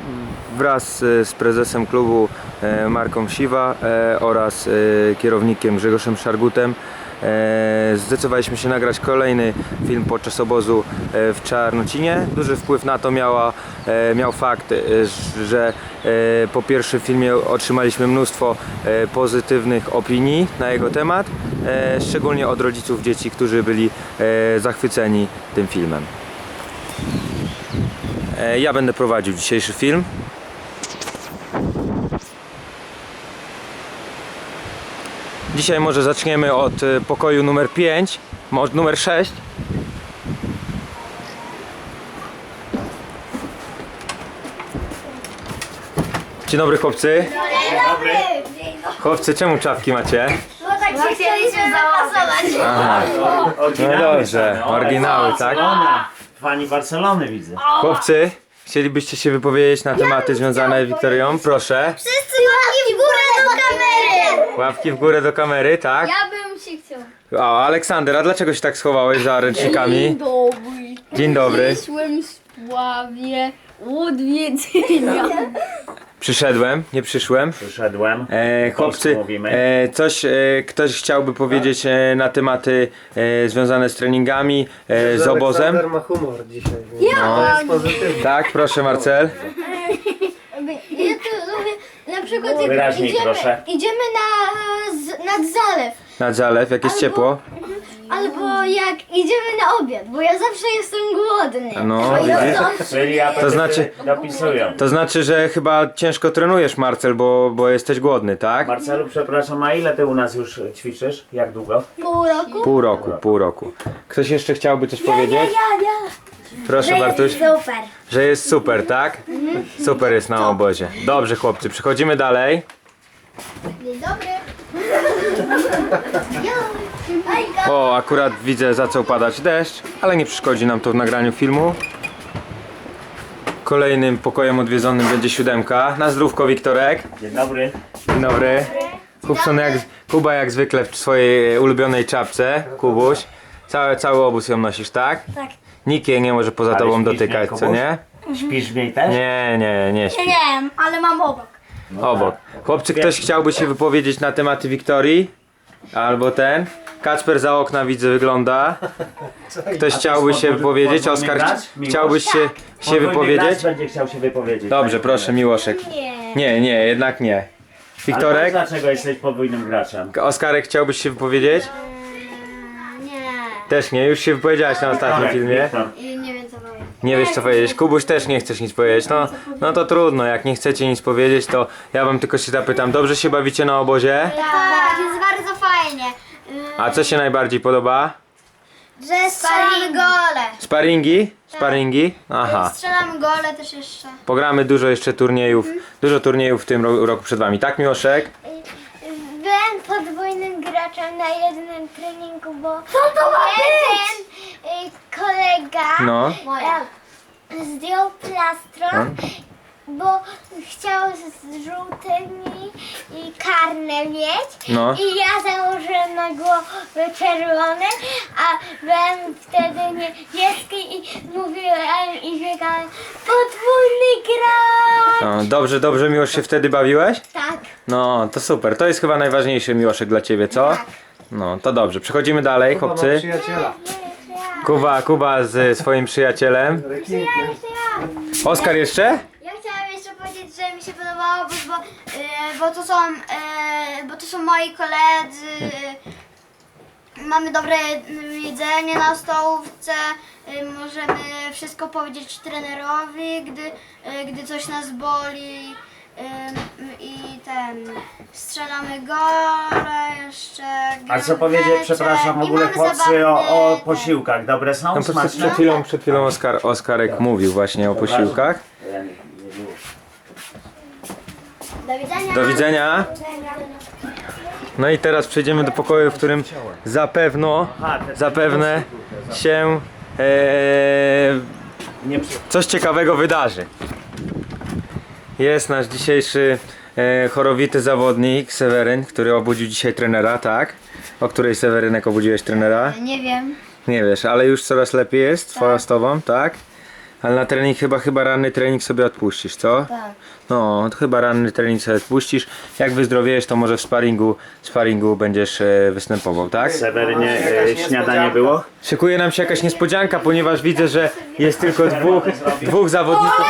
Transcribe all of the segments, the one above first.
wraz z prezesem klubu Marką Siwa oraz kierownikiem Grzegorzem Szargutem zdecydowaliśmy się nagrać kolejny film podczas obozu w Czarnocinie. Duży wpływ na to miał fakt, że po pierwszym filmie otrzymaliśmy mnóstwo pozytywnych opinii na jego temat, szczególnie od rodziców dzieci, którzy byli zachwyceni tym filmem. Ja będę prowadził dzisiejszy film. Dzisiaj może zaczniemy od pokoju numer 5, może numer 6. Dzień dobry chłopcy. Dzień dobry. Chłopcy, czemu czapki macie? No tak się chcieliśmy zapasować. Aha. No dobrze, oryginały, tak? Fani Barcelony widzę. Chłopcy, chcielibyście się wypowiedzieć na tematy związane z Wiktorią? Proszę. Wszyscy łapki w górę do kamery. Łapki w górę do kamery, tak? Ja bym się chciał. O, Aleksander, a dlaczego się tak schowałeś za ręcznikami? Dobry. Dzień dobry. Przyszłem w sprawie odwiedzenia. Przyszedłem, nie przyszłem. Przyszedłem. Chłopcy, mówimy. ktoś chciałby powiedzieć na tematy związane z treningami, z obozem? Aleksander ma humor dzisiaj. To jest pozytywny. Tak, proszę Marcel. Ja tu lubię, na przykład jak Wyraźniej, proszę. idziemy nad zalew. Nad zalew, jak jest ciepło. Albo jak idziemy na obiad, bo ja zawsze jestem głodny. No, A ja widzisz? zawsze Czyli To znaczy- dopisują. To znaczy, że chyba ciężko trenujesz, Marcel, bo jesteś głodny, tak? Marcelu, przepraszam, a ile ty u nas już ćwiczysz? Jak długo? pół roku. Ktoś jeszcze chciałby coś powiedzieć? Proszę Bartuś. Super. Że jest super, tak? Super jest na obozie. Dobrze chłopcy, przechodzimy dalej. Dzień dobry. O, akurat widzę, zaczął padać deszcz, ale nie przeszkodzi nam to w nagraniu filmu. Kolejnym pokojem odwiedzonym będzie 7. Na zdrówko Wiktorek. Dzień dobry. Dzień dobry. Kuba jak zwykle w swojej ulubionej czapce. Kubuś. Cały obóz ją nosisz, tak? Tak. Nikt jej nie może poza Ale tobą śpisz dotykać, w niej, co nie? Śpisz w niej też? Nie śpi. Nie, ale mam obok. Obok. Chłopcy, ktoś chciałby się wypowiedzieć na tematy Wiktorii? Albo ten? Kacper za okna widzę wygląda. Ktoś chciałby się wypowiedzieć? podwójny Oskar, gracz? Miłosz? chciałbyś się Podwójny wypowiedzieć? gracz będzie chciał się wypowiedzieć. Dobrze, proszę Miłoszek. Nie, jednak nie. Wiktorek? Ale dlaczego jesteś podwójnym graczem? Oskarek, chciałbyś się wypowiedzieć? Nie. Też nie, już się wypowiedziałeś na ostatnim Wiktor, filmie. Wiktor. I nie wiem co powiem. Nie wiesz co powiedzieć. Kubuś też nie chcesz nic powiedzieć. No to trudno, jak nie chcecie nic powiedzieć, to ja wam tylko się zapytam. Dobrze się bawicie na obozie? Tak, jest bardzo fajnie. A co się najbardziej podoba? Że strzelamy gole. Sparingi? Sparingi? Aha. Strzelamy gole też jeszcze. Pogramy dużo jeszcze turniejów, dużo turniejów w tym roku przed wami. Tak, Miłoszek? Byłem podwójnym graczem na jednym treningu, bo jeden kolega No. zdjął plastron, bo chciał z żółtymi i karne mieć. No. I ja założyłem na głowę czerwony, a byłem wtedy niebieski i mówiłem i biegałem podwójny gracz. No, dobrze Miłosz się wtedy bawiłeś? Tak. No, to super. To jest chyba najważniejszy Miłoszek dla ciebie, co? No, to dobrze. Przechodzimy dalej, Kuba ma chłopcy. przyjaciela. Kuba z swoim przyjacielem. Rekinkiem. Oskar jeszcze? Ja chciałam jeszcze powiedzieć, że mi się podobało, bo to są moi koledzy. Mamy dobre jedzenie na stołówce. Możemy wszystko powiedzieć trenerowi, gdy coś nas boli. I strzelamy gole jeszcze. A co powiedzieć, przepraszam, w ogóle chłopcy o posiłkach. Dobre są? No, Smaczne? przed chwilą Oskarek mówił właśnie o posiłkach. Do widzenia. Do widzenia. No i teraz przejdziemy do pokoju, w którym zapewne się Nie coś ciekawego wydarzy. Jest nasz dzisiejszy chorowity zawodnik Seweryn, który obudził dzisiaj trenera, tak? O której Sewerynek obudziłeś trenera? Nie wiem. Nie wiesz, ale już coraz lepiej jest z tobą, tak? Ale na trening chyba ranny trening sobie odpuścisz, co? Tak. No, to chyba ranny trening sobie odpuścisz. Jak wyzdrowiejesz, to może w sparingu będziesz występował, tak? Sewerynie, śniadanie było? Szykuje nam się jakaś niespodzianka, ponieważ widzę, że jest tylko dwóch zawodników.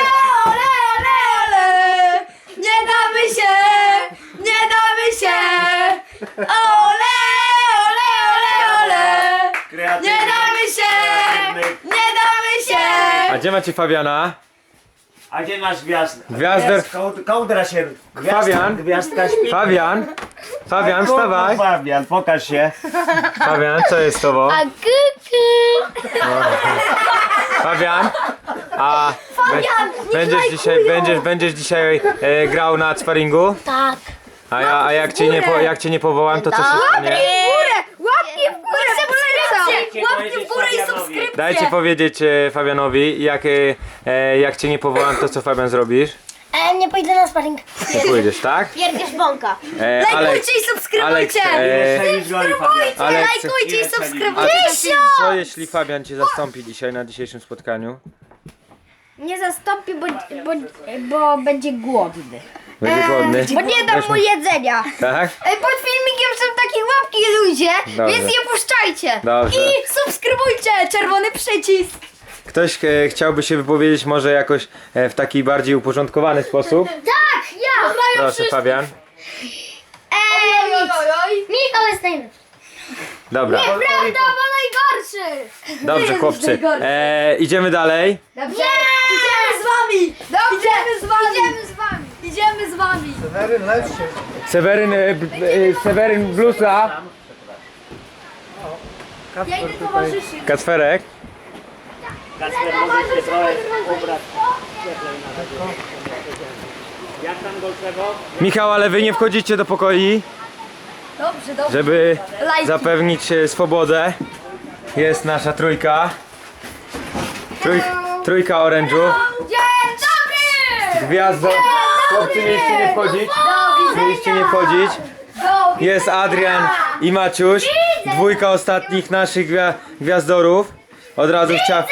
Nie damy się! Nie damy się! Ole, ole, ole, ole! Nie damy się! Nie damy się! A gdzie macie Fabiana? A gdzie masz gwiazdę? Gwiazdę. Kołdra się. Fabian. Gwiazdka śpi. Fabian, wstawaj! Fabian, pokaż się. Fabian, co jest z tobą? A kuku. Fabian, a będziesz dzisiaj grał na sparingu? Tak. A jak cię nie powołam, to co się stanie? Łapki w górę! Łapki w górę i subskrypcje! Dajcie powiedzieć Fabianowi, jak cię nie powołam, to co Fabian zrobisz? Nie pójdę na sparring. Nie pójdziesz, tak? Pierdziesz bąka. Lajkujcie i subskrybujcie! Lajkujcie i subskrybujcie! Co jeśli Fabian cię zastąpi dzisiaj na dzisiejszym spotkaniu? Nie zastąpi, bo będzie głodny. Będzie głodny? Bo nie dam mu jedzenia. Tak? Pod filmikiem są takie łapki ludzie, Dobrze. więc je puszczajcie. Dobrze. I subskrybujcie, czerwony przycisk. Ktoś chciałby się wypowiedzieć może jakoś w taki bardziej uporządkowany sposób? Tak, ja. Proszę Fabian. Michał jest najlepszy. Dobra. Prawda, bo najgorszy. Dobrze chłopcy. Idziemy dalej. Dobrze? Idziemy z wami. Dobrze. Idziemy z wami. Idziemy z wami. Idziemy z wami. Seweryn, lecz się. Seweryn Blusa. Ja idę towarzyszy. Kacperek. Kacper, możesz się trochę ubrać. Jak tam Golczewo? Michał, ale wy nie wchodzicie do pokoi, Dobrze, dobrze. żeby Lajki. zapewnić swobodę. Jest nasza trójka. Trójka orężu. Dzień dobry. Gwiazdo. Chłopcy, mieliście nie wchodzić. Mieliście nie wchodzić. Jest Adrian i Maciuś. Dwójka ostatnich naszych gwiazdorów. Od razu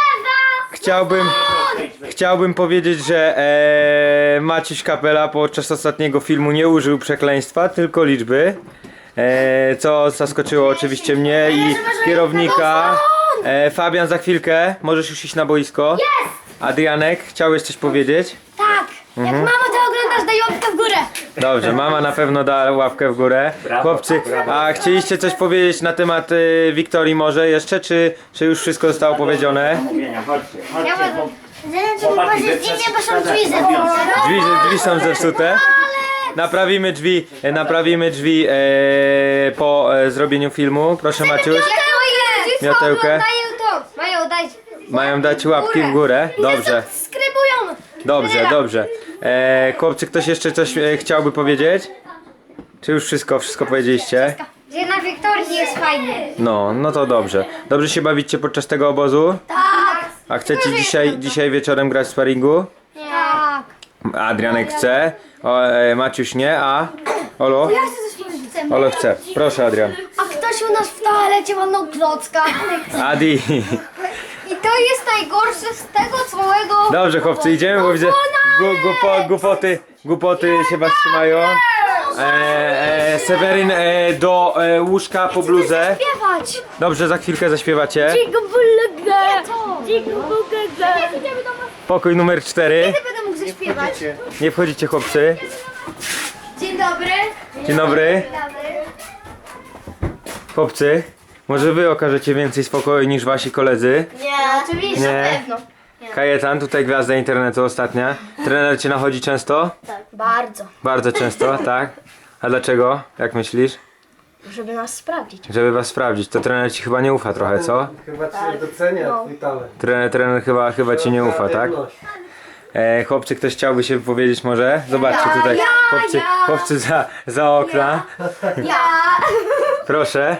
chciałbym powiedzieć, że Maciuś Kapela podczas ostatniego filmu nie użył przekleństwa, tylko liczby. Co zaskoczyło oczywiście mnie i kierownika. Fabian, za chwilkę możesz już iść na boisko. Adrianek, chciałeś coś powiedzieć? Tak. Jak mamo to oglądasz, daj łapkę w górę. Dobrze, mama na pewno da łapkę w górę. Chłopcy, a chcieliście coś powiedzieć na temat Wiktorii może jeszcze, czy już wszystko zostało powiedziane? Chodźcie, Ja chodźcie. mogę. Zaraz ci pokażę zdjęcie, bo są drzwi Drzwi są zepsute. Naprawimy drzwi po zrobieniu filmu. Proszę Maciuś, miotełkę. Mają dać. Mają dać łapki w górę. Dobrze, Subskrybują. dobrze. Chłopcy, ktoś jeszcze coś chciałby powiedzieć? Czy już wszystko powiedzieliście? Że na Wiktorii jest fajnie. No to dobrze. Dobrze się bawicie podczas tego obozu? Tak. A chcecie dzisiaj wieczorem grać w sparingu? Tak. Adrianek chce, Maciuś nie, a Olo? Olo chce. Proszę Adrian. A ktoś u nas w toalecie walnął klocka. Adi. I to jest najgorsze z tego całego. Dobrze chłopcy, idziemy, bo widzę głupoty się was trzymają. Seweryn do łóżka po bluzę. Śpiewać. Dobrze, za chwilkę zaśpiewacie. Pokój numer 4. Będę mógł zaśpiewać. Nie wchodzicie chłopcy. Dzień dobry. Dzień dobry. Chłopcy, może wy okażecie więcej spokoju niż wasi koledzy? Nie, oczywiście. Nie. Na pewno. Kajetan, tutaj gwiazda internetu ostatnia. Trener cię nachodzi często? Tak, bardzo. Bardzo często, tak? A dlaczego? Jak myślisz? Żeby nas sprawdzić. Żeby was sprawdzić. To trener ci chyba nie ufa trochę, co? Chyba cię docenia twój talent. Trener chyba ci nie ufa, tak? Chłopcy, ktoś chciałby się wypowiedzieć może? Zobaczcie tutaj. Chłopcy za okna. Ja. Proszę.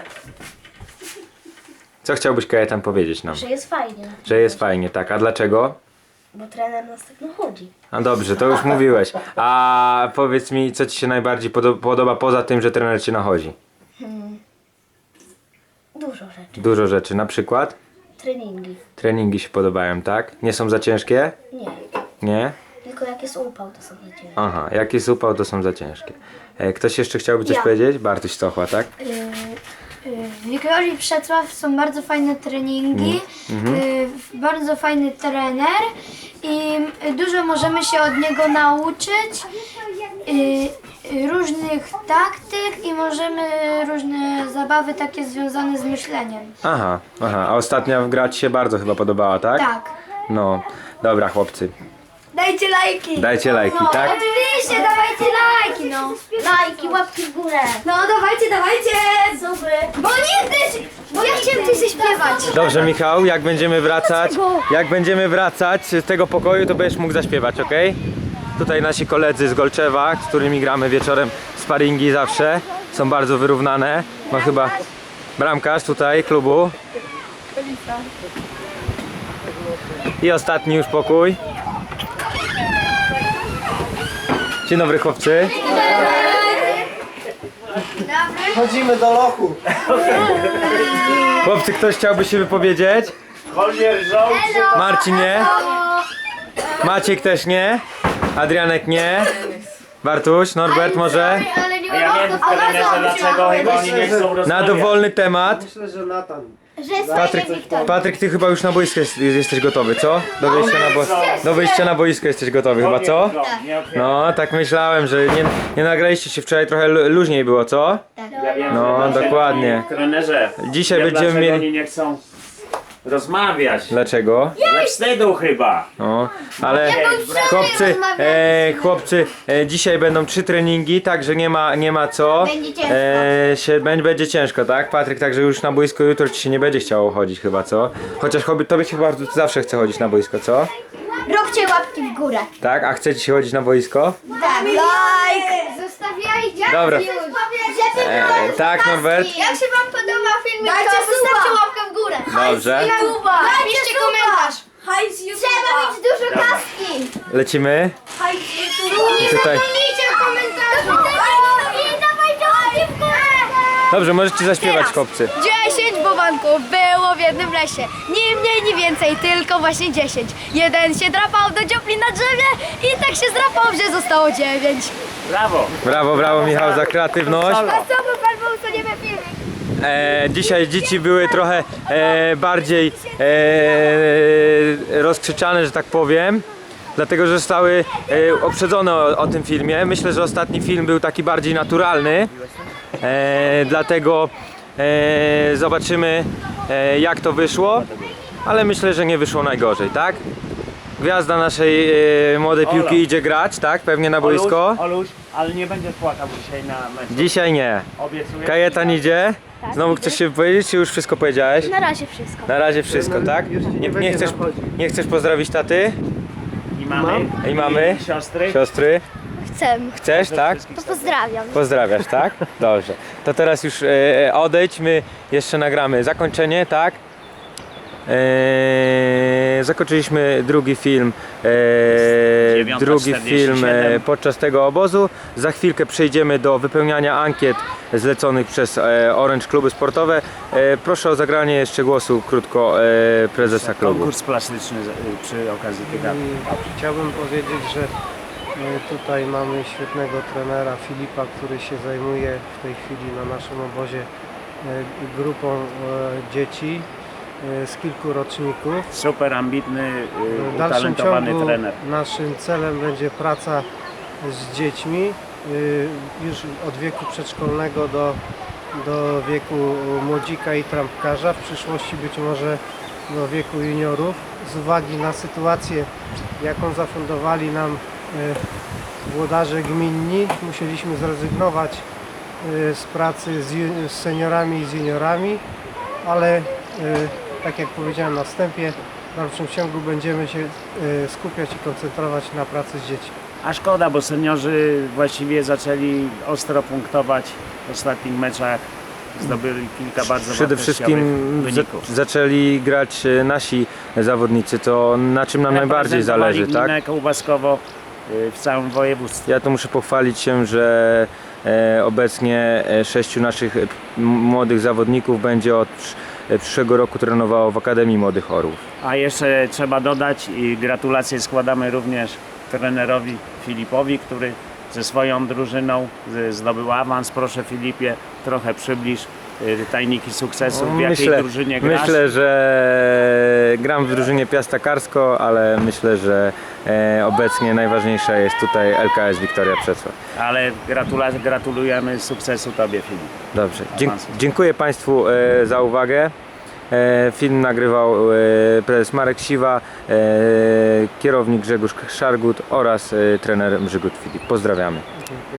Co chciałbyś Kajetan powiedzieć nam? Że jest fajnie. Że jest fajnie, tak. A dlaczego? Bo trener nas tak nachodzi. A dobrze, to już mówiłeś. A powiedz mi, co ci się najbardziej podoba poza tym, że trener cię nachodzi? Dużo rzeczy. Dużo rzeczy, na przykład? treningi. Treningi się podobają, tak? Nie są za ciężkie? Nie, Nie? tylko jak jest upał, to są za ciężkie. Aha, jak jest upał, to są za ciężkie. Ktoś jeszcze chciałby coś Ja. powiedzieć? Bartuś Stochła, tak? W Wiktorii Przetrwaw są bardzo fajne treningi, bardzo fajny trener i dużo możemy się od niego nauczyć, różnych taktyk i możemy różne zabawy takie związane z myśleniem. Aha, a ostatnia gra ci się bardzo chyba podobała, tak? Tak. No, dobra chłopcy, Dajcie lajki! dajcie lajki, tak? Oczywiście, dawajcie lajki, no! Lajki, łapki w górę. No dawajcie! Bo nie też, bo ja chciałem coś zaśpiewać. Dobrze Michał, jak będziemy wracać z tego pokoju, to będziesz mógł zaśpiewać, ok? Tutaj nasi koledzy z Golczewa, z którymi gramy wieczorem sparingi zawsze, są bardzo wyrównane. Ma chyba bramkarz tutaj klubu. I ostatni już pokój. Dzień dobry chłopcy. Chodzimy do lochu. Chłopcy, ktoś chciałby się wypowiedzieć? Wolnier żołd. Marcin nie? Maciek też nie? Adrianek nie? Bartuś, Norbert może? Ale nie A ja wiem trenerze dlaczego chyba oni nie chcą Na rozmawiać. dowolny temat. Myślę, że Natan. Patryk, ty chyba już na boisku jesteś gotowy, co? Do wyjścia na boisko jesteś gotowy chyba, co? No, tak myślałem, że nie nagraliście się wczoraj, trochę luźniej było, co? Ja wiem, No, że dlaczego dokładnie. Trenerze, Dzisiaj wiem, będziemy dlaczego mieli- oni nie chcą rozmawiać. Dlaczego? Ze wstydu chyba. No, ale chłopcy, dzisiaj będą 3 treningi, także nie ma co. Będzie ciężko. Będzie ciężko, tak? Patryk, także już na boisko jutro ci się nie będzie chciało chodzić chyba, co? Chociaż tobie się chyba zawsze chce chodzić na boisko, co? Róbcie łapki w górę. Tak? A chcecie się chodzić na boisko? Tak. Like! Zostawiajcie. Dobra. Żeby Tak, Norbert? Jak się wam podoba filmik, Dajcie to suba. zostawcie łapkę w górę. Dobrze. Napiszcie komentarz. Trzeba mieć dużo kaski. Lecimy? Nie Tutaj. zapomnijcie w komentarzu. Dawajcie łapki w górę. Dobrze, możecie zaśpiewać, chłopcy. 10 bowanków było w jednym lesie. Ni mniej, ni więcej, tylko właśnie 10. Jeden się drapał do dziupli na drzewie i tak się zdrapał, że zostało 9. Brawo. Brawo Michał za kreatywność. Brawo. Co by pan był, co nie filmik? Dzisiaj dzieci były trochę bardziej rozkrzyczane, że tak powiem. Dlatego, że zostały uprzedzone o tym filmie. Myślę, że ostatni film był taki bardziej naturalny. Dlatego zobaczymy jak to wyszło. Ale myślę, że nie wyszło najgorzej, tak? Gwiazda naszej młodej piłki Olo. idzie grać, tak? Pewnie na boisko. Oluś, ale nie będzie płakał dzisiaj na meczu. Dzisiaj nie. Obiecuję. Kajetan idzie. Znowu chcesz się wypowiedzieć, czy już wszystko powiedziałeś? Na razie wszystko. Na razie wszystko, tak? Już nie będzie nachodził. Nie chcesz pozdrowić taty I mamy. i mamy, I siostry. siostry? Chcę. Chcesz, tak? To pozdrawiam. Pozdrawiasz, tak? Dobrze. To teraz już odejdź, my jeszcze nagramy zakończenie, tak? Zakończyliśmy drugi film, 9:47. podczas tego obozu. Za chwilkę przejdziemy do wypełniania ankiet zleconych przez Orange Kluby Sportowe. Proszę o zagranie jeszcze głosu krótko prezesa klubu. Konkurs plastyczny przy okazji tych lat. Chciałbym powiedzieć, że tutaj mamy świetnego trenera Filipa, który się zajmuje w tej chwili na naszym obozie grupą dzieci z kilku roczników. Super ambitny, W dalszym utalentowany ciągu trener. naszym celem będzie praca z dziećmi już od wieku przedszkolnego do wieku młodzika i trampkarza, w przyszłości być może do wieku juniorów. Z uwagi na sytuację, jaką zafundowali nam włodarze gminni, musieliśmy zrezygnować z pracy z seniorami i z juniorami, ale tak jak powiedziałem na wstępie, w dalszym ciągu będziemy się skupiać i koncentrować na pracy z dziećmi. A szkoda, bo seniorzy właściwie zaczęli ostro punktować w ostatnich meczach. Zdobyli kilka bardzo Przede wszystkim wyników. zaczęli grać nasi zawodnicy, to na czym nam najbardziej zależy, tak? Gminę Kołbaskowo w całym województwie. Ja tu muszę pochwalić się, że obecnie 6 naszych młodych zawodników będzie od przyszłego roku trenowało w Akademii Młodych Orłów. A jeszcze trzeba dodać i gratulacje składamy również trenerowi Filipowi, który ze swoją drużyną zdobył awans. Proszę Filipie, trochę przybliż tajniki sukcesu, w jakiej drużynie grasz? Myślę, że gram w drużynie Piasta Karsko, ale myślę, że obecnie najważniejsza jest tutaj LKS Wiktoria Przecław. Ale gratulujemy sukcesu Tobie, Filip. Dobrze, Awansu. dziękuję Państwu za uwagę. Film nagrywał prezes Marek Siwa, kierownik Grzegorz Szargut oraz trener Mrzygut Filip. Pozdrawiamy.